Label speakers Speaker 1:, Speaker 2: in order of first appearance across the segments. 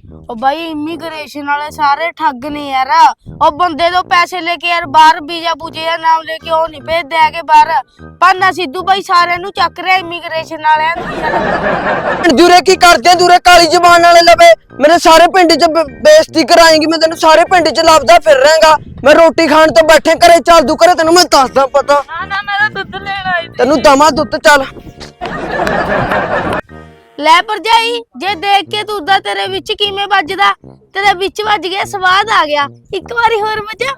Speaker 1: ओ भाई इमिग्रेशन वाले सारे ठग ने यार। और बंदे तो पैसे लेके यार बाहर वीजा पूजे या नाम लेके ओ नहीं भेजदे आगे बाहर। पाना सिद्धू भाई सारे नु चक रहा इमिग्रेशन वाले
Speaker 2: दूरे की करते दूरे काली जबान वाले लवे मेरे सारे पिंड च बेइज्जती कराएंगी। मैं तेन सारे पिंड च लभदा फिर रहांगा। मैं रोटी खान तो बैठे घरे चल दू घरे तेन मैं दसदा पता
Speaker 1: ना मेरा दूध लेना आई
Speaker 2: तेन दमा दुध चल
Speaker 1: ले भरजाई जे देख के दूधा तेरे विच किवें वजदा तेरे विच वज गया स्वाद आ गया एक बारी होर वजा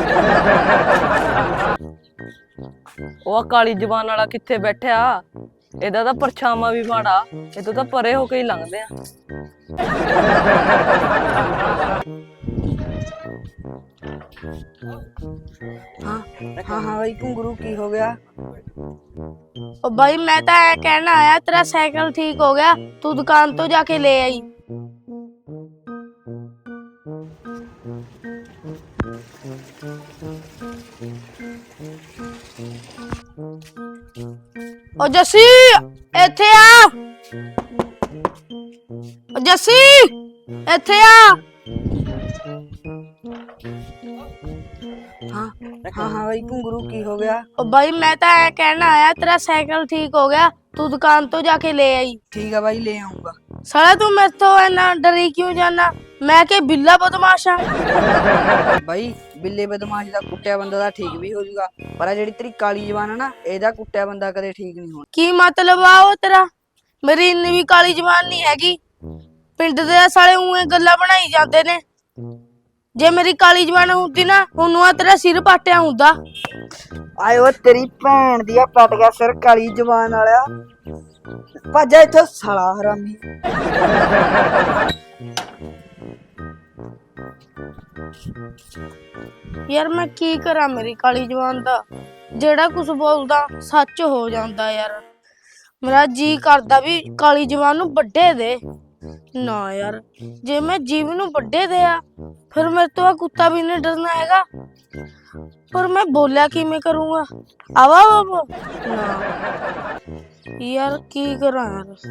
Speaker 3: ਉਹ ਕਾਲੀ ਜ਼ਬਾਨ ਵਾਲਾ ਕਿੱਥੇ ਬੈਠਿਆ ਇਹਦਾ ਤਾਂ ਪਰਛਾਵਾਂ ਵੀ ਮਾੜਾ ਇਹ ਤੋਂ ਤਾਂ ਪਰੇ ਹੋ ਕੇ ਹੀ ਲੰਘਦੇ ਆ
Speaker 2: हाँ भाई घुंगरू की हो गया?
Speaker 1: ओ भाई मैं तो ऐ कहना आया तेरा साइकिल ठीक हो गया तू दुकान तो जाके ले आई। ओ जस्सी इथे आ ओ जस्सी इथे आ।
Speaker 2: हाँ भाई घुंगरू की हो गया?
Speaker 1: ओ भाई मैं तो ऐ कहना आया तेरा साइकिल ठीक हो गया तू दुकान तो जाके ले आई।
Speaker 2: ठीक है भाई ले आऊंगा।
Speaker 1: साला तू मेरे तो इतना डरी क्यों जाना मैं के बिल्ला बदमाशा
Speaker 2: भाई बिल्ले बदमाश दा कुੱਟਿਆ ਬੰਦਾ ਦਾ ਠੀਕ ਵੀ ਹੋ ਜਾਊਗਾ ਪਰ ਆ ਜਿਹੜੀ ਤੇਰੀ ਕਾਲੀ ਜ਼ਬਾਨ ਆ ਨਾ ਇਹਦਾ ਕੁੱਟਿਆ ਬੰਦਾ ਕਦੇ ਠੀਕ ਨਹੀਂ ਹੋਣਾ।
Speaker 1: की मतलब आ वो तेरा मेरी इन्नी भी काली जबान नहीं हैगी पिंड दे साले उए गल्ला बनाई जाते ने जे मेरी काली जबान हुंदी ना उन्हों तेरा सिर पाटिया हुंदा।
Speaker 2: ਆਏ ਓ ਤੇਰੀ ਭੈਣ ਦੀ ਆ ਪਟ ਗਿਆ ਸਿਰ ਕਾਲੀ ਜ਼ਬਾਨ ਵਾਲਿਆ ਭੱਜ ਇੱਥੋਂ ਸਾਲਾ ਹਰਾਮੀ।
Speaker 1: यार मैं की करा मेरी काली जबान दा जेड़ा कुछ बोलदा सच हो जांदा यार। मेरा जी करदा भी काली जबान नू बड्डे दे ना यार जे मैं जीव नू बड्डे दिया फिर मेरे तो कुत्ता भी नहीं डरना हैगा पर मैं बोलिया कि मैं करूँगा आवा बाबू ना यार की करा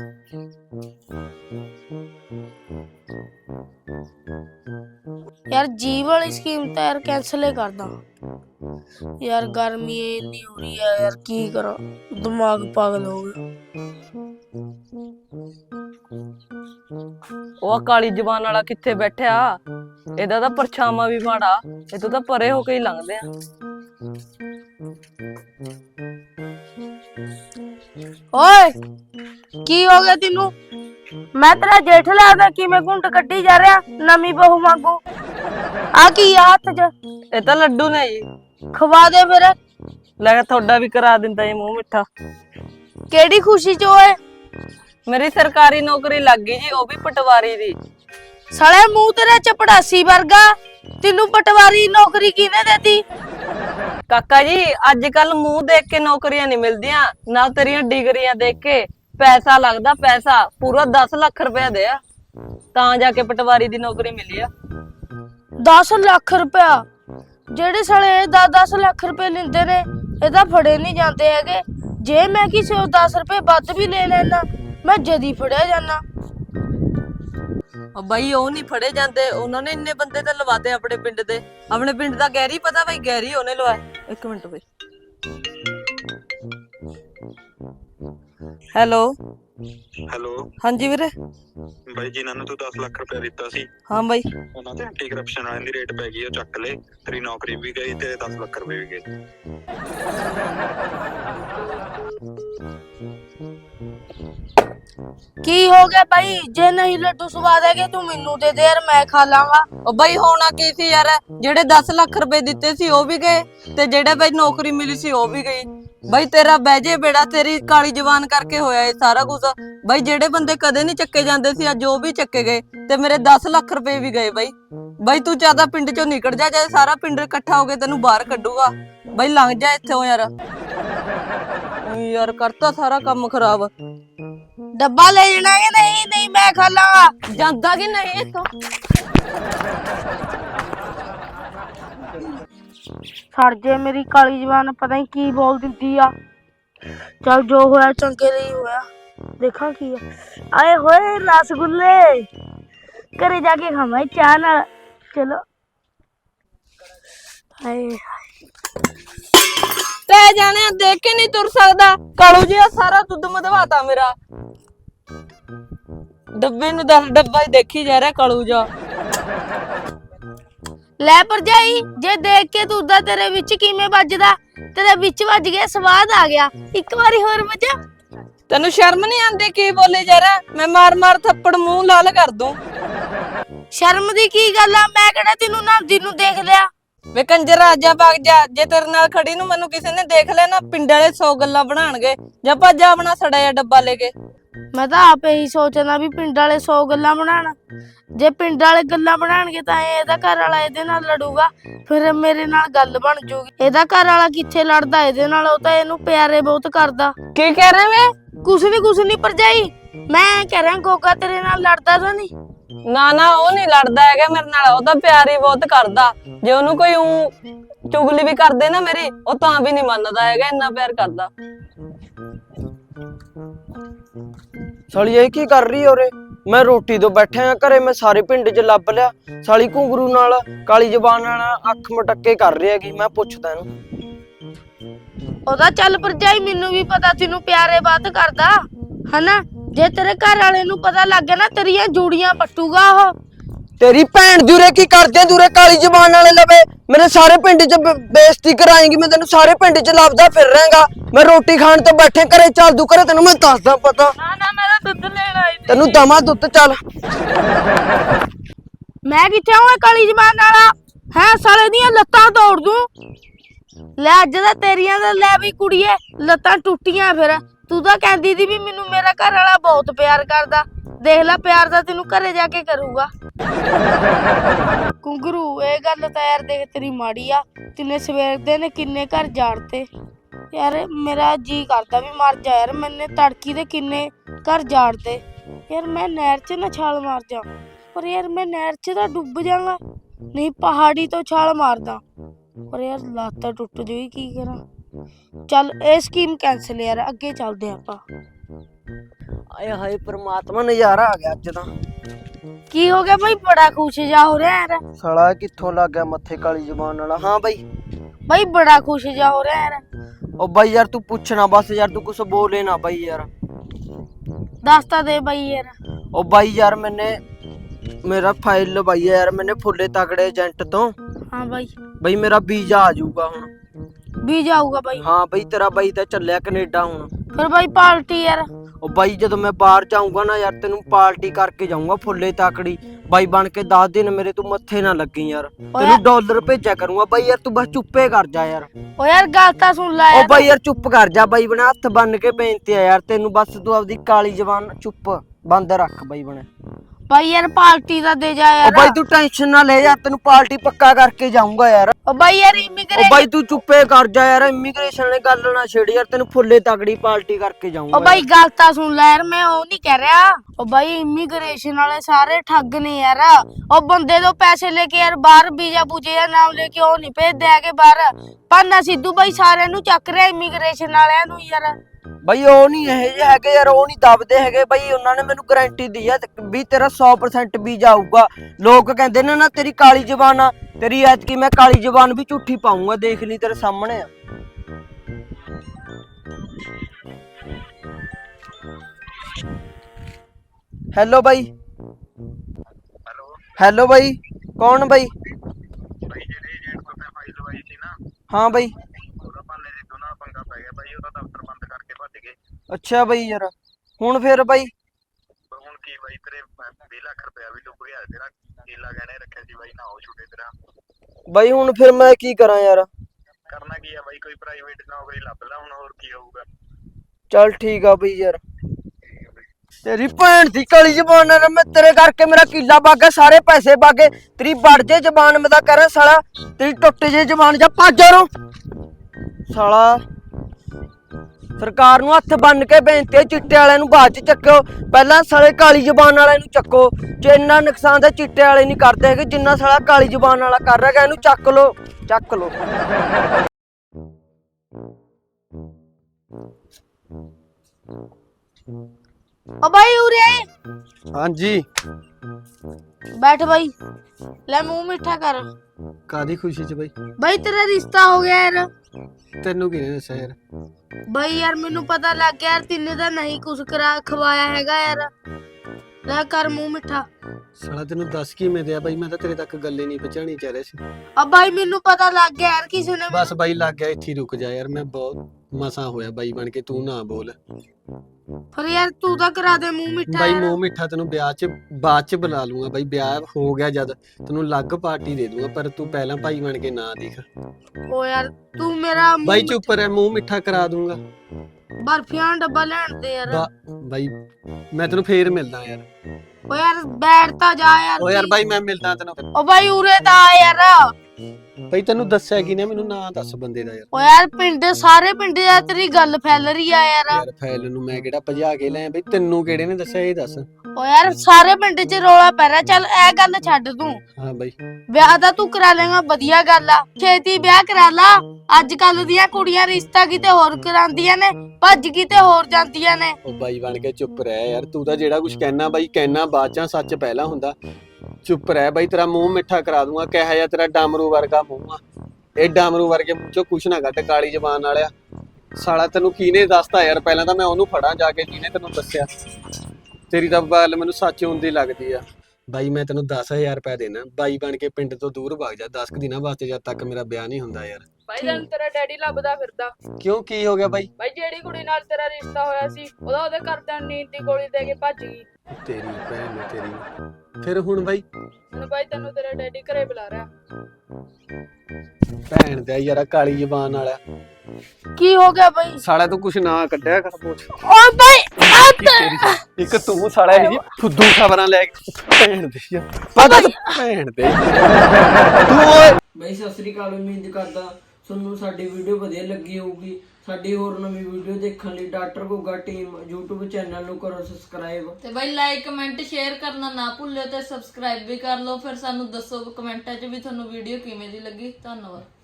Speaker 1: यार जी वाली स्कीम तो यार कैंसिल ही कर दा यार गर्मी इतनी हो रही है यार की करा दिमाग पागल हो गया।
Speaker 3: ਉਹ ਕਾਲੀ ਜ਼ਬਾਨ ਵਾਲਾ ਕਿੱਥੇ ਬੈਠਿਆ ਇਹਦਾ ਤਾਂ ਪਰਛਾਵਾਂ ਵੀ ਮਾੜਾ ਇਹ ਤੋਂ ਤਾਂ ਪਰੇ ਹੋ ਕੇ ਹੀ ਲੰਘਦੇ ਆ
Speaker 1: ओए की हो गया तेनू मैं तेरा जेठ लगदा कि मैं घुंट कड्डी जा रहा नमी बहू मांगू आ की हाथ च
Speaker 3: ਇਹ ਤਾਂ ਲੱਡੂ ਨੇ ਜੀ
Speaker 1: खवा दे फिर
Speaker 3: ਲੈ ਕੇ ਤੁਹਾਡਾ ਵੀ ਕਰਾ ਦਿੰਦਾ ਜੀ ਮੂੰਹ ਮਿੱਠਾ
Speaker 1: केड़ी खुशी च ओए
Speaker 3: ਮੇਰੀ ਸਰਕਾਰੀ ਨੌਕਰੀ ਲੱਗ ਗਈ ਜੀ ਉਹ ਵੀ ਪਟਵਾਰੀ ਦੀ
Speaker 1: साले मुंह तेरा चपड़ासी वर्गा तेनू पटवारी नौकरी किने देती
Speaker 3: ਕਾਕਾ ਜੀ ਅੱਜ ਕੱਲ ਮੂੰਹ ਦੇਖ ਕੇ ਨੌਕਰੀਆਂ ਨਹੀਂ ਮਿਲਦੀਆਂ ਨਾ ਤੇਰੀਆਂ ਡਿਗਰੀਆਂ ਦੇਖ ਕੇ ਪੈਸਾ ਲੱਗਦਾ ਪੈਸਾ ਪੂਰਾ 10 ਲੱਖ ਰੁਪਏ ਦੇ ਆ ਤਾਂ ਜਾ ਕੇ ਪਟਵਾਰੀ ਦੀ ਨੌਕਰੀ ਮਿਲੀ ਆ
Speaker 1: 10 ਲੱਖ रुपया जेड़े साले 10 ਲੱਖ रुपए लेंदे ने ਇਹਦਾ ਫੜੇ ਨਹੀਂ ਜਾਂਦੇ ਹੈਗੇ ਜੇ ਮੈਂ ਕਿਸੇ ਨੂੰ 10 ਰੁਪਏ ਵੱਧ ਵੀ ਲੈ ਲੈਣਾ ਮੈਂ ਜਦੀ ਫੜਿਆ ਜਾਣਾ।
Speaker 3: ਬਾਈ ਉਹ ਨਹੀਂ ਫੜੇ ਜਾਂਦੇ ਉਹਨਾਂ ਨੇ ਇੰਨੇ ਬੰਦੇ ਤਾਂ ਲਵਾਤੇ ਆਪਣੇ ਪਿੰਡ ਦੇ ਆਪਣੇ ਪਿੰਡ ਦਾ ਗੈਰੀ ਪਤਾ ਬਾਈ ਗੈਰੀ ਉਹਨੇ ਲਵਾਇਆ। ਇੱਕ ਮਿੰਟ ਬਈ ਹੈਲੋ
Speaker 4: ਹੈਲੋ
Speaker 3: ਹਾਂਜੀ ਵੀਰੇ
Speaker 4: ਬਾਈ ਜਿਨ੍ਹਾਂ ਨੂੰ ਤੂੰ 10 ਲੱਖ ਰੁਪਏ ਦਿੱਤਾ ਸੀ
Speaker 3: ਹਾਂ ਬਾਈ
Speaker 4: ਉਹਨਾਂ ਤੇ ਐਂਟੀ ਕਰਪਸ਼ਨ ਵਾਲਿਆਂ ਦੀ ਰੇਟ ਪੈ ਗਈ ਉਹ ਚੱਕ ਲੈ ਤੇਰੀ ਨੌਕਰੀ ਵੀ ਗਈ ਤੇ 10 ਲੱਖ ਰੁਪਏ ਵੀ ਗਏ।
Speaker 1: की हो गया भाई जे नहीं लड्डू स्वाद है तू मेनू दे दे यार मैं खा लांगा।
Speaker 3: ਉਹ ਬਾਈ ਹੋਣਾ ਕੀ ਸੀ ਯਾਰ ਜਿਹੜੇ 10 ਲੱਖ ਰੁਪਏ ਦਿੱਤੇ ਸੀ ਉਹ ਵੀ ਗਏ ਤੇ ਜਿਹੜੇ ਬਾਈ ਨੌਕਰੀ ਮਿਲੀ ਸੀ ਉਹ ਵੀ ਗਈ। ਬਾਈ ਤੇਰਾ ਬਹਿਜੇ ਬੇੜਾ ਤੇਰੀ ਕਾਲੀ ਜ਼ਬਾਨ ਕਰਕੇ ਹੋਇਆ ਇਹ ਸਾਰਾ ਕੁਝ। ਬਾਈ ਜਿਹੜੇ ਬੰਦੇ ਕਦੇ ਨਹੀਂ ਚੱਕੇ ਜਾਂਦੇ ਸੀ ਅੱਜ ਉਹ ਵੀ ਚੱਕੇ ਗਏ ਤੇ ਮੇਰੇ 10 ਲੱਖ ਰੁਪਏ ਵੀ ਗਏ। ਬਾਈ ਤੂੰ ਜ਼ਿਆਦਾ ਪਿੰਡ ਚੋਂ ਨਿਕਲ ਜਾ ਜੇ ਸਾਰਾ ਪਿੰਡ ਇਕੱਠਾ ਹੋ ਕੇ ਤੈਨੂੰ ਬਾਹਰ ਕੱਢੂਗਾ। ਬਾਈ ਲੰਘ ਜਾ ਇੱਥੋਂ ਯਾਰ ਯਾਰ ਕਰਤਾ ਸਾਰਾ ਕੰਮ ਖਰਾਬ।
Speaker 1: डब्बा ले जाना है नहीं नहीं मैं खा लांगा
Speaker 3: ਜਾਂਦਾ ਕਿ ਨਹੀਂ ਇੱਥੋਂ
Speaker 1: सड़ जे मेरी काली जबान पता नहीं की बोल दी आ। चल जो होया चंगे लिए होया देखा की है। आए होए रसगुल्ले ਘਰੇ ਜਾ ਕੇ ਖਾਵਾਂ ਚਾਹ ਨਾਲ। ਚਲੋ ਹਾਏ
Speaker 3: ਤੈ ਜਾਣਿਆ ਦੇਖ ਕੇ ਨਹੀਂ ਤੁਰ ਸਕਦਾ। ਕਾਲੂ ਜੀ ਸਾਰਾ ਦੁੱਧ ਮਧਵਾਤਾ ਮੇਰਾ। ਡੱਬੇ ਨੂੰ 10 ਡੱਬਾ ਹੀ ਦੇਖੀ ਜਾ ਰਿਹਾ ਕਾਲੂ ਜਾ।
Speaker 1: ਲੈ ਭਰਜਾਈ, ਜੇ ਦੇਖ ਕੇ ਦੁੱਧ ਤੇਰੇ ਵਿੱਚ ਕਿਵੇਂ ਵੱਜਦਾ, ਤੇਰੇ ਵਿੱਚ ਵੱਜ ਗਿਆ, ਸਵਾਦ ਆ ਗਿਆ। ਇੱਕ ਵਾਰੀ ਹੋਰ ਵਜਾ।
Speaker 3: ਤੈਨੂੰ ਸ਼ਰਮ ਨਹੀਂ ਆਉਂਦੀ ਕੀ ਬੋਲੇ ਜਾ ਰਿਹਾ? ਮੈਂ ਮਾਰ ਮਾਰ ਥੱਪੜ ਮੂੰਹ ਲਾਲ ਕਰ ਦੂੰ।
Speaker 1: ਸ਼ਰਮ ਦੀ ਕੀ ਗੱਲ ਆ? ਮੈਂ ਕਿਹੜਾ ਤੈਨੂੰ ਨਹਾਉਂਦੀ ਨੂੰ ਦੇਖ ਲਿਆ।
Speaker 3: ਵੇ ਕੰਜਰ ਆਜਾ ਭੱਗ ਜਾ। ਜੇ ਤੇਰੇ ਨਾਲ ਖੜੀ ਨੂੰ ਮੈਨੂੰ ਕਿਸੇ ਨੇ ਦੇਖ ਲਿਆ ਨਾ, ਪਿੰਡ ਵਾਲੇ 100 ਗੱਲਾਂ ਬਣਾਣਗੇ। ਜਾਂ ਭੱਜ ਆਪਣਾ ਸੜਾ ਜਿਹਾ ਡੱਬਾ ਲੈ ਕੇ।
Speaker 1: ਮੈਂ ਤਾਂ ਆਪ ਇਹੀ ਸੋਚਦਾ ਵੀ ਪਿੰਡ ਵਾਲੇ 100 ਗੱਲਾਂ ਬਣਾਣ। ਜੇ ਪਿੰਡ ਵਾਲੇ ਗੱਲਾਂ ਬਣਾਣਗੇ ਤਾਂ ਇਹਦਾ ਘਰ ਵਾਲਾ ਇਹਦੇ ਨਾਲ ਲੜੂਗਾ, ਫਿਰ ਮੇਰੇ ਨਾਲ ਗੱਲ ਬਣ ਜੂਗੀ। ਇਹਦਾ ਘਰ ਵਾਲਾ ਕਿੱਥੇ ਲੜਦਾ ਇਹਦੇ ਨਾਲ, ਉਹ ਤਾਂ ਇਹਨੂੰ ਪਿਆਰੇ ਬਹੁਤ ਕਰਦਾ।
Speaker 3: ਕੀ ਕਹਿ ਰਿਹਾ ਵੇ?
Speaker 1: ਕੁਛ ਨੀ ਭਰਜਾਈ, ਮੈਂ ਕਹਿ ਰਿਹਾ ਗੋਗਾ ਤੇਰੇ ਨਾਲ ਲੜਦਾ ਤਾਂ ਨਹੀਂ?
Speaker 3: ਨਾ ਨਾ, ਉਹ ਨਹੀਂ ਲੜਦਾ ਹੈਗਾ ਮੇਰੇ ਨਾਲ। ਉਹ ਤਾਂ ਪਿਆਰ ਹੀ ਬਹੁਤ ਕਰਦਾ। ਜੇ ਉਹਨੂੰ ਕੋਈ ਚੁਗਲੀ ਵੀ ਕਰਦੇ ਨਾ ਮੇਰੀ, ਉਹ ਤਾਂ ਵੀ ਨਹੀਂ ਮੰਨਦਾ ਹੈਗਾ, ਇੰਨਾ ਪਿਆਰ ਕਰਦਾ।
Speaker 2: ਸਾਲੀ ਇਹ ਕੀ ਕਰ ਰਹੀ ਓਰੇ? ਮੈਂ ਰੋਟੀ ਤੋਂ ਬੈਠਿਆ ਘਰੇ, ਮੈਂ ਸਾਰੇ ਪਿੰਡ 'ਚ ਲੱਭ ਲਿਆ। ਸਾਲੀ ਘੁੰਗਰੂ ਨਾਲ ਕਾਲੀ ਜ਼ਬਾਨ ਨਾਲ ਅੱਖ ਮਟੱਕੇ ਕਰ ਰਹੀ ਹੈਗੀ। ਮੈਂ ਪੁੱਛਦਾ ਇਹਨੂੰ।
Speaker 1: ਉਹਦਾ ਚੱਲ ਭਰਜਾਈ, ਮੈਨੂੰ ਵੀ ਪਤਾ ਤੈਨੂੰ ਪਿਆਰੇ ਬਾਤ ਕਰਦਾ ਹਨਾ। ਜੇ ਤੇਰੇ ਘਰ ਵਾਲੇ ਨੂੰ ਪਤਾ ਲੱਗ ਗਿਆ ਨਾ, ਤੇਰੀਆਂ ਜੂੜੀਆਂ ਪੱਟੂਗਾ ਉਹ।
Speaker 2: ਤੇਰੀ ਭੈਣ ਦੀ ਉਰੇ ਕੀ ਕਰਦੇ ਦੂਰੇ ਕਾਲੀ ਜ਼ਬਾਨ ਵਾਲੇ ਲਵੇ? ਮੇਰੇ ਸਾਰੇ ਪਿੰਡ 'ਚ ਬੇਇੱਜ਼ਤੀ ਕਰਾਏਂਗੀ। ਮੈਂ ਤੈਨੂੰ ਸਾਰੇ ਪਿੰਡ 'ਚ ਲੱਭਦਾ ਫਿਰ ਰਹੇਗਾ। ਮੈਂ ਰੋਟੀ ਖਾਣ ਤੋਂ ਬੈਠੇ ਘਰੇ ਚੱਲ ਦੂ ਘਰੇ, ਤੈਨੂੰ ਮੈਂ ਦੱਸਦਾ ਪਤਾ।
Speaker 1: ਨਾ ਨਾ, ਮੈਂ ਤਾਂ ਦੁੱਧ ਲੈਣ ਆਈ ਸੀ।
Speaker 2: ਤੈਨੂੰ ਦਮਾ ਦੁੱਧ ਚੱਲ।
Speaker 1: ਮੈਂ ਕਿੱਥੇ ਆਉਂ ਕਾਲੀ ਜ਼ਬਾਨ ਵਾਲਾ ਹੈ? ਸਾਲੇ ਦੀਆਂ ਲੱਤਾਂ ਤੋੜ ਦੂੰ। ਲੈ ਅੱਜ ਤਾਂ ਤੇਰੀਆਂ ਦਾ ਲੈ ਵੀ ਕੁੜੀਏ ਲੱਤਾਂ ਟੁੱਟੀਆਂ। ਫਿਰ ਤੂੰ ਤਾਂ ਕਹਿੰਦੀ ਸੀ ਵੀ ਮੈਨੂੰ ਮੇਰਾ ਘਰ ਵਾਲਾ ਬਹੁਤ ਪਿਆਰ ਕਰਦਾ। ਦੇਖ ਲੈ, ਪਿਆਰ ਦਾ ਤੈਨੂੰ ਘਰੇ ਜਾ ਕੇ ਕਰੂਗਾ। ਕੁੰਗਰੂ, ਇਹ ਗੱਲ ਤਾਂ ਯਾਰ ਦੇਖ ਤੇਰੀ ਮਾੜੀ ਆ। ਤਿੰਨੇ ਸਵੇਰ ਦੇ ਨੇ ਕਿੰਨੇ ਘਰ ਜਾੜਤੇ ਯਾਰ। ਮੇਰਾ ਜੀ ਕਰਦਾ ਵੀ ਮਰ ਜਾ ਯਾਰ। ਮੈਨੇ ਤੜਕੀ ਦੇ ਕਿੰਨੇ ਘਰ ਜਾੜਤੇ ਯਾਰ। ਮੈਂ ਨਹਿਰ 'ਚ ਨਾ ਛਾਲ ਮਾਰ ਜਾ, ਪਰ ਯਾਰ ਮੈਂ ਨਹਿਰ 'ਚ ਤਾਂ ਡੁੱਬ ਜਾਵਾਂਗਾ। ਨਹੀਂ ਪਹਾੜੀ ਤੋਂ ਛਾਲ ਮਾਰਦਾ, ਪਰ ਯਾਰ ਲੱਤ ਟੁੱਟ ਜੂਗੀ, ਕੀ ਕਰਾਂ। ਚੱਲ ਇਹ ਸਕੀਮ ਕੈਂਸਲ ਯਾਰ, ਅੱਗੇ ਚੱਲਦੇ ਆਪਾਂ।
Speaker 2: ਆਏ ਹਾਏ ਪ੍ਰਮਾਤਮਾ, ਨਜ਼ਾਰਾ ਆ ਗਿਆ ਅੱਜ ਤਾਂ।
Speaker 1: ਕੀ ਹੋ ਗਿਆ ਭਾਈ, ਬੜਾ ਖੁਸ਼ ਜਾ ਹੋ ਰਿਹਾ ਯਾਰ।
Speaker 2: ਸਾਲਾ ਕਿੱਥੋਂ ਲੱਗ ਗਿਆ ਮੱਥੇ ਕਾਲੀ ਜ਼ਬਾਨ ਵਾਲਾ? ਹਾਂ ਬਾਈ।
Speaker 1: ਭਾਈ ਬੜਾ ਖੁਸ਼ ਜਾ ਹੋ ਰਿਹਾ ਯਾਰ।
Speaker 2: ਉਹ ਬਾਈ ਯਾਰ ਤੂੰ ਪੁੱਛਣਾ ਬਸ ਯਾਰ, ਤੂੰ ਕੁਛ ਬੋਲੇ ਨਾ ਬਾਈ ਯਾਰ।
Speaker 1: ਦੱਸ ਤਾਂ ਦੇ ਬਾਈ ਯਾਰ।
Speaker 2: ਉਹ ਬਾਈ ਯਾਰ ਮੇਰਾ ਫਾਈਲ ਲਵਾਈ ਹੈ ਯਾਰ ਮੈਨੇ ਫੁੱਲੇ ਤਕੜੇ ਏਜੰਟ ਤੋਂ।
Speaker 1: ਹਾਂ ਬਾਈ।
Speaker 2: ਬਈ ਮੇਰਾ ਵੀਜ਼ਾ ਆ ਜਾਊਗਾ ਹੁਣ।
Speaker 1: ਵੀਜ਼ਾ ਆਊਗਾ ਬਾਈ?
Speaker 2: ਹਾਂ ਬਈ, ਤੇਰਾ ਬਾਈ ਤਾਂ ਚੱਲਿਆ ਕੈਨੇਡਾ ਹੁਣ।
Speaker 1: ਫਿਰ ਬਾਈ ਪਾਰਟੀ ਯਾਰ।
Speaker 2: ਉਹ ਬਾਈ ਜਦੋਂ ਮੈਂ ਬਾਹਰ ਜਾਊਂਗਾ ਨਾ ਯਾਰ, ਤੈਨੂੰ ਪਾਰਟੀ ਕਰਕੇ ਜਾਊਂਗਾ ਫੁੱਲੇ ਤਾਕੜੀ। ਬਾਈ ਬਣ ਕੇ 10 ਦਿਨ ਮੇਰੇ ਤੂੰ ਮੱਥੇ ਨਾ ਲੱਗੀ ਯਾਰ। ਤੈਨੂੰ ਡਾਲਰ ਭੇਜਿਆ ਕਰੂੰਗਾ ਬਾਈ ਯਾਰ, ਤੂੰ ਬਸ ਚੁੱਪੇ ਕਰ ਜਾ ਯਾਰ।
Speaker 1: ਓ ਯਾਰ ਗੱਲ ਤਾਂ ਸੁਣ ਲੈ
Speaker 2: ਉਹ
Speaker 1: ਯਾਰ।
Speaker 2: ਬਾਈ ਯਾਰ ਚੁੱਪ ਕਰ ਜਾ ਬਾਈ ਬਣਾ, ਹੱਥ ਬੰਨ ਕੇ ਬੇਨਤੀ ਆ ਯਾਰ ਤੈਨੂੰ, ਬਸ ਤੂੰ ਆਪਦੀ ਕਾਲੀ ਜ਼ਬਾਨ ਚੁੱਪ ਬੰਦ ਰੱਖ ਬਾਈ ਬਣੇ।
Speaker 1: ਬਾਈ ਯਾਰ ਪਾਰਟੀ ਦਾ ਦੇ ਜਾ
Speaker 2: ਉਹ
Speaker 1: ਯਾਰ।
Speaker 2: ਬਾਈ ਤੂੰ ਟੈਨਸ਼ਨ ਨਾ ਲੈ ਯਾਰ, ਤੈਨੂੰ ਪਾਰਟੀ ਪੱਕਾ ਕਰਕੇ ਜਾਊਂਗਾ ਯਾਰ।
Speaker 1: ਓ ਬਾਈ ਯਾਰ
Speaker 2: ਉਹ
Speaker 1: ਇਮੀਗ੍ਰੇਸ਼ਨ।
Speaker 2: ਬਾਈ ਤੂੰ ਚੁੱਪੇ ਕਰ ਜਾ ਯਾਰ, ਇਮੀਗ੍ਰੇਸ਼ਨ ਨੇ ਗੱਲ ਨਾ ਛੇੜ ਯਾਰ, ਤੈਨੂੰ ਫੁੱਲੇ ਤਗੜੀ ਪਾਰਟੀ ਕਰਕੇ ਜਾਊਂਗਾ।
Speaker 1: ਓ ਬਾਈ ਗੱਲ ਤਾਂ ਸੁਣ ਲੈ ਯਾਰ, ਮੈਂ ਉਹ ਨਹੀਂ ਕਹਿ ਰਿਹਾ। ਓ ਬਾਈ ਇਮੀਗ੍ਰੇਸ਼ਨ ਵਾਲੇ ਸਾਰੇ ਠੱਗ ਨੇ ਯਾਰ। ਉਹ ਬੰਦੇ ਤੋਂ ਪੈਸੇ ਲੈ ਕੇ ਯਾਰ ਬਾਹਰ ਵੀਜ਼ਾ ਪੂਜੇ ਦਾ ਨਾਮ ਲੈ ਕੇ ਉਹ ਨਹੀਂ ਭੇਜਦੇ ਹੈਗੇ ਬਾਹਰ। ਪਾਨਾ ਸਿੱਧੂ ਬਾਈ ਸਾਰਿਆਂ ਨੂੰ ਚੱਕ ਰਿਹਾ ਇਮੀਗ੍ਰੇਸ਼ਨ ਵਾਲਿਆਂ ਨੂੰ ਯਾਰ।
Speaker 2: ਬਾਈ ਉਹ ਨਹੀਂ ਇਹ ਜਿਹੇ ਹੈਗੇ ਯਾਰ, ਉਹ ਨਹੀਂ ਦਬਦੇ ਹੈਗੇ ਬਾਈ। ਉਹਨਾਂ ਨੇ ਮੈਨੂੰ ਗਾਰੰਟੀ ਦੀ ਆ ਵੀ ਤੇਰਾ 100% ਵੀਜ਼ਾ ਆਊਗਾ। ਲੋਕ ਕਹਿੰਦੇ ਨੇ ਨਾ ਤੇਰੀ ਕਾਲੀ ਜ਼ਬਾਨ ਆ, ਤੇਰੀ ਐਤਕੀ ਮੈਂ ਕਾਲੀ ਜ਼ਬਾਨ ਵੀ ਝੂਠੀ ਪਾਉਂਗਾ, ਦੇਖ ਲਈ ਤੇਰੇ ਸਾਹਮਣੇ ਆ। ਹੈਲੋ ਬਾਈ। ਹੈਲੋ ਬਾਈ, ਕੌਣ ਬਾਈ?
Speaker 4: ਬਾਈ ਜਿਹੜੇ ਏਜੰਟ ਤੋਂ ਮੈਂ ਫਾਈਲ ਲਵਾਈ ਸੀ ਨਾ,
Speaker 2: ਹਾਂ ਬਾਈ।
Speaker 4: ਉਹਦਾ ਪਾਲੇ ਦੇ ਦੋਨਾਂ ਪੰਗਾ ਪੈ ਗਿਆ ਬਾਈ। ਉਹਦਾ ਦਫ਼ਤਰ ਬੰਦ ਕਰਕੇ ਭੱਜ ਗਏ।
Speaker 2: ਅੱਛਾ ਬਾਈ ਯਾਰ, ਹੁਣ ਫਿਰ ਬਾਈ?
Speaker 4: ਹੁਣ ਕੀ ਬਾਈ, ਤੇਰੇ 20 ਲੱਖ ਰੁਪਇਆ ਵੀ ਡੁੱਬ ਗਿਆ। ਤੇਰਾ ਕੀਲਾ ਗਹਿਣੇ ਰੱਖਿਆ ਸੀ ਬਾਈ, ਨਾ ਉਹ ਛੁੱਟੇ ਤੇਰਾ।
Speaker 2: ਬਾਈ ਹੁਣ ਫਿਰ ਮੈਂ ਕੀ ਕਰਾਂ ਯਾਰ?
Speaker 4: ਕਰਨਾ ਕੀ ਆ ਬਾਈ, ਕੋਈ ਪ੍ਰਾਈਵੇਟ ਨੌਕਰੀ ਲੱਭ ਲੈ ਹੁਣ, ਹੋਰ ਕੀ ਹੋਊਗਾ।
Speaker 2: ਚੱਲ ਠੀਕ ਆ ਬਈ ਯਾਰ। ਤੇਰੀ ਭੈਣ ਦੀ ਕਾਲੀ ਜ਼ਬਾਨ ਨਾਲ ਮੈਂ ਤੇਰੇ ਕਰਕੇ ਮੇਰਾ ਕੀਲਾ ਬਾਗਾ, ਸਾਰੇ ਪੈਸੇ ਬਾਗੇ। ਤੇਰੀ ਵੜ ਜੇ ਜ਼ਬਾਨ ਮੈਂ ਤਾਂ ਕਰਾਂ ਸਾਲਾ, ਤੇਰੀ ਟੁੱਟ ਜੇ ਜ਼ਬਾਨ ਜਾਂ ਭੱਜ ਰੋ ਸਾਲਾ। ਸਰਕਾਰ ਨੂੰ ਹੱਥ ਬੰਨ ਕੇ ਬੇਨਤੀ ਹੈ, ਚਿੱਟੇ ਵਾਲਿਆਂ ਨੂੰ ਬਾਅਦ ਚ ਚੱਕਿਓ, ਪਹਿਲਾਂ ਸਾਲੇ ਕਾਲੀ ਜ਼ਬਾਨ ਵਾਲਿਆਂ ਨੂੰ ਚੱਕੋ। ਜੇ ਇੰਨਾ ਨੁਕਸਾਨ ਤਾਂ ਚਿੱਟੇ ਵਾਲੇ ਨਹੀਂ ਕਰਦੇ ਹੈਗੇ ਜਿੰਨਾ ਸਾਲਾ ਕਾਲੀ ਜ਼ਬਾਨ ਵਾਲਾ ਕਰ ਰਿਹਾ। ਇਹਨੂੰ ਚੱਕ ਲੋ, ਚੱਕ ਲੋ।
Speaker 1: ਓ ਬਾਈ ਉਰੇ
Speaker 2: ਹਾਂਜੀ
Speaker 1: ਬੈਠ ਬਾਈ ਲੈ ਮੂੰਹ ਮਿੱਠਾ ਕਰ
Speaker 2: ਕਾਦੀ ਖੁਸ਼ੀ ਚ ਬਾਈ
Speaker 1: ਬਾਈ ਤੇਰਾ ਰਿਸ਼ਤਾ ਹੋ ਗਿਆ ਯਾਰ
Speaker 2: ਤੈਨੂੰ ਕਿਹਨੇ ਦੱਸਿਆ ਯਾਰ
Speaker 1: ਬਾਈ ਯਾਰ ਮੈਨੂੰ ਪਤਾ ਲੱਗ ਗਿਆ ਯਾਰ ਤਿੰਨੇ ਦਾ ਨਹੀਂ ਕੁਛ ਕਰਾ ਖਵਾਇਆ ਹੈਗਾ ਯਾਰ ਲੈ ਕਰ ਮੂੰਹ ਮਿੱਠਾ
Speaker 2: ਸਾਲਾ ਤੈਨੂੰ ਦੱਸ ਕੀ ਮੈਂ ਦਿਆ ਬਾਈ ਮੈਂ ਤਾਂ ਤੇਰੇ ਤੱਕ ਗੱਲੇ ਨਹੀਂ ਪਹੁੰਚਾਣੀ ਚਾਹ ਰਿਹਾ ਸੀ
Speaker 1: ਆ ਬਾਈ ਮੈਨੂੰ ਪਤਾ ਲੱਗ ਗਿਆ ਯਾਰ ਕਿਸੇ ਨੇ
Speaker 2: ਬਸ ਬਾਈ ਲੱਗ ਗਿਆ ਇੱਥੇ ਹੀ ਰੁਕ ਜਾ ਯਾਰ ਮੈਂ ਬਹੁਤ ਮਸਾਂ ਹੋਇਆ ਬਾਈ ਬਣ ਕੇ ਤੂੰ ਨਾ ਬੋਲ
Speaker 1: ਪਰ ਯਾਰ ਤੂੰ ਤਾਂ ਕਰਾ ਦੇ ਮੂੰਹ ਮਿੱਠਾ
Speaker 2: ਬਾਈ
Speaker 1: ਯਾਰ।
Speaker 2: ਮੂੰਹ ਮਿੱਠਾ ਤੈਨੂੰ ਵਿਆਹ 'ਚ ਬਾਅਦ 'ਚ ਬੁਲਾ ਲੂੰਗਾ ਬਾਈ ਵਿਆਹ ਹੋ ਗਿਆ ਜਦ ਤੈਨੂੰ ਅਲੱਗ ਪਾਰਟੀ ਦੇ ਦੂੰਗਾ ਪਰ ਤੂੰ ਪਹਿਲਾਂ ਭਾਈ ਬਣ ਕੇ ਨਾ ਦੇਖ
Speaker 1: ਓ ਯਾਰ ਤੂੰ ਮੇਰਾ
Speaker 2: ਬਾਈ ਚੁੱਪ ਰਹਿ ਮੂੰਹ ਮਿੱਠਾ ਕਰਾ ਦੂੰਗਾ
Speaker 1: ਬਰਫੀਆਂ ਦਾ ਡੱਬਾ ਲੈਣ ਦੇ ਯਾਰ
Speaker 2: ਬਾਈ ਮੈਂ ਤੈਨੂੰ ਫੇਰ ਮਿਲਦਾ ਯਾਰ
Speaker 1: ਓ ਯਾਰ ਬੈਠ ਤਾਂ ਜਾ ਯਾਰ
Speaker 2: ਓ ਯਾਰ ਬਾਈ ਮੈਂ ਮਿਲਦਾ ਤੈਨੂੰ ਫਿਰ
Speaker 1: ਓ ਬਾਈ ਉਰੇ ਤਾਂ ਆ ਯਾਰ
Speaker 2: ਬਾਈ ਤੈਨੂੰ ਦੱਸਿਆ ਕੀ ਨੇ ਮੈਨੂੰ ਨਾਂ ਦੱਸ ਬੰਦੇ ਦਾ ਯਾਰ
Speaker 1: ਓ ਯਾਰ ਪਿੰਡ ਸਾਰੇ ਪਿੰਡ ਦਾ ਤੇਰੀ ਗੱਲ ਫੈਲ ਰਹੀ ਆ ਯਾਰ
Speaker 2: ਯਾਰ ਫੈਲ ਨੂੰ ਮੈਂ ਕਿਹੜਾ ਭਜਾ ਕੇ ਲਿਆ ਬਈ ਤੈਨੂੰ ਕਿਹੜੇ ਨੇ ਦੱਸਿਆ ਇਹ ਦੱਸ
Speaker 1: ਓ ਯਾਰ ਸਾਰੇ ਪਿੰਡ 'ਚ ਰੌਲਾ ਪੈ ਰਿਹਾ ਚੱਲ ਇਹ ਗੱਲ ਛੱਡ ਤੂੰ
Speaker 2: ਹਾਂ ਬਾਈ
Speaker 1: ਵਿਆਹ ਤਾਂ ਤੂੰ ਕਰਾ ਲੇਗਾ ਵਧੀਆ ਗੱਲ ਆ ਛੇਤੀ ਵਿਆਹ ਕਰਾ ਲਾ ਅੱਜ ਕੱਲ ਦੀਆਂ ਕੁੜੀਆਂ ਰਿਸ਼ਤਾ ਕਿਤੇ ਹੋਰ ਕਰਾਉਂਦੀਆਂ ਨੇ ਭੱਜ ਕਿਤੇ ਹੋਰ ਜਾਂਦੀਆਂ ਨੇ
Speaker 2: ਉਹ ਬਾਈ ਬਣ ਕੇ ਚੁੱਪ ਰਹਿ ਯਾਰ ਤੂੰ ਤਾਂ ਜਿਹੜਾ ਕੁਝ ਕਹਿਣਾ ਬਾਈ ਕਹਿਣਾ ਬਾਅਦ ਚ ਸੱਚ ਪਹਿਲਾਂ ਹੁੰਦਾ ਚੁੱਪ ਰਹਿ ਬਾਈ ਤੇਰਾ ਮੂੰਹ ਮਿੱਠਾ ਕਰਾ ਦੂੰਗਾ ਕਿਹਾ ਜਾ ਤੇਰਾ ਡਾਮਰੂ ਵਰਗਾ ਮੂੰਹ ਆ ਇਹ ਡਾਮਰੂ ਵਰਗੇ ਮੂੰਹ ਚੋਂ ਕੁਛ ਨਾ ਕੱਢ ਕਾਲੀ ਜ਼ਬਾਨ ਵਾਲਿਆ ਸਾਲਾ ਤੈਨੂੰ ਕਿਹਨੇ ਦੱਸਤਾ ਯਾਰ ਪਹਿਲਾਂ ਤਾਂ ਮੈਂ ਉਹਨੂੰ ਫੜਾਂ ਜਾ ਕੇ ਜਿਹਨੇ ਤੈਨੂੰ ਦੱਸਿਆ ਤੇਰੀ ਤਾਂ ਗੱਲ ਮੈਨੂੰ ਸੱਚ ਹੁੰਦੀ ਲੱਗਦੀ ਆ ਬਾਈ ਮੈਂ ਤੈਨੂੰ 10000 ਰੁਪਏ ਦੇਣਾ ਬਾਈ ਬਣ ਕੇ ਪਿੰਡ ਤੋਂ ਦੂਰ ਭੱਜ ਜਾ 10 ਦਿਨਾਂ ਵਾਸਤੇ ਜਦ ਤੱਕ ਮੇਰਾ ਵਿਆਹ ਨਹੀਂ ਹੁੰਦਾ ਯਾਰ
Speaker 5: ਭਾਈ ਤੈਨੂੰ ਤੇਰਾ ਡੈਡੀ ਲੱਭਦਾ ਫਿਰਦਾ
Speaker 2: ਕਿਉਂ ਕੀ ਹੋ ਗਿਆ ਬਾਈ
Speaker 5: ਭਾਈ ਜਿਹੜੀ ਕੁੜੀ ਨਾਲ ਤੇਰਾ ਰਿਸ਼ਤਾ ਹੋਇਆ ਸੀ ਉਹਦੇ ਘਰਦਿਆਂ ਨੀਂਦ ਦੀ ਗੋਲੀ ਦੇ ਕੇ ਭੱਜ ਗਈ
Speaker 2: ਤੇਰੀ ਭੈਣ ਨੇ ਤੇਰੀ ਫਿਰ ਹੁਣ ਬਾਈ
Speaker 5: ਹੁਣ ਭਾਈ ਤੈਨੂੰ ਤੇਰਾ ਡੈਡੀ ਘਰੇ ਬੁਲਾ ਰਿਹਾ
Speaker 2: ਭੈਣ ਦਾ ਯਾਰਾ ਕਾਲੀ ਜ਼ਬਾਨ ਵਾਲਾ
Speaker 1: ਕੀ ਹੋ ਗਿਆ ਬਾਈ
Speaker 2: ਸਾਲਾ ਤੂੰ ਕੁਛ ਨਾ ਕੱਢਿਆ ਕਰ ਪੁੱਛ
Speaker 1: ਓ ਬਾਈ
Speaker 2: ਇੱਕ ਤੂੰ ਸਾਲਾ ਇਹ ਜੀ ਫੁੱਦੂ ਖਬਰਾਂ ਲੈ ਕੇ ਭੈਣ ਦੇ ਯਾਰ ਪਤਾ ਭੈਣ ਦੇ ਤੂੰ ਓਏ
Speaker 6: ਬਾਈ ਸਤਿ ਸ੍ਰੀ ਅਕਾਲ ਉਮੀਦ ਕਰਦਾ ਤੁਹਾਨੂੰ ਸਾਡੀ ਵੀਡੀਓ ਵਧੀਆ ਲੱਗੀ ਹੋਊਗੀ ਸਾਡੀ ਹੋਰ ਨਵੀਂ ਵੀਡੀਓ ਦੇਖਣ ਲਈ doctor Goga team YouTube channel ਨੂੰ ਕਰੋ ਸਬਸਕ੍ਰਾਈਬ
Speaker 3: ਤੇ ਬਾਈ ਲਾਈਕ ਕਮੈਂਟ ਸ਼ੇਅਰ ਕਰਨਾ ਨਾ ਭੁੱਲਿਓ ਤੇ ਸਬਸਕ੍ਰਾਈਬ ਵੀ ਕਰ ਲਓ ਫਿਰ ਸਾਨੂੰ ਦੱਸੋ ਕਮੈਂਟਾਂ 'ਚ ਵੀ ਤੁਹਾਨੂੰ ਵੀਡੀਓ ਕਿਵੇਂ ਦੀ ਲੱਗੀ ਧੰਨਵਾਦ।